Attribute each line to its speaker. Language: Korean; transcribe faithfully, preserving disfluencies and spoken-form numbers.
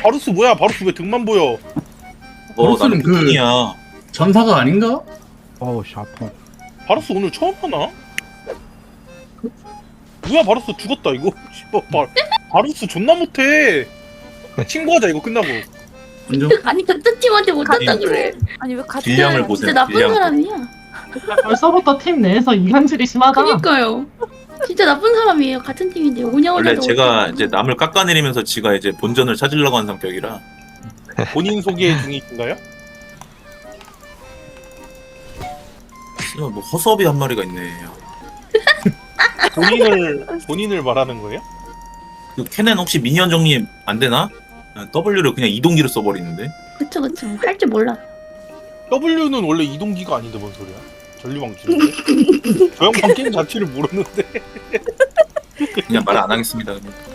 Speaker 1: 바루스 뭐야? 바루스 왜 등만 보여?
Speaker 2: 어
Speaker 3: 바루스는
Speaker 2: 나는
Speaker 3: 그-
Speaker 2: 부팅이야.
Speaker 3: 전사가 아닌가?
Speaker 4: 어우 씨 아파.
Speaker 1: 바루스 오늘 처음 하나? 뭐야 바루스 죽었다 이거. 씨발 바, 바루스 존나 못해. 친구하자 이거 끝나고.
Speaker 3: 인정.
Speaker 5: 아니 같은 팀한테 못한다
Speaker 2: 아니,
Speaker 5: 그래.
Speaker 6: 아니 왜 같은
Speaker 2: 딜량을 보세요.
Speaker 5: 진짜 나쁜
Speaker 2: 딜량.
Speaker 5: 사람이야.
Speaker 7: 벌써부터 팀 내에서 이간질이 심하다.
Speaker 5: 그니까요. 진짜 나쁜 사람이에요. 같은 팀인데 오냐오냐.
Speaker 2: 원래 제가 이제 남을 깎아내리면서 지가 이제 본전을 찾으려고 하는 성격이라.
Speaker 1: 본인 소개 중이신가요?
Speaker 2: 씨발, 뭐 허수아비 한 마리가 있네.
Speaker 1: 본인을 본인을 말하는 거예요?
Speaker 2: 그 캐넨 혹시 미니언 정리 안 되나? 아, W를 그냥 이동기로 써버리는데.
Speaker 5: 그쵸 그쵸. 할 줄 몰라.
Speaker 1: W는 원래 이동기가 아닌데 뭔 소리야? 전류방출인데? 저 양반 게임 자체를 모르는데.
Speaker 2: 그냥 말 안 하겠습니다. 그냥.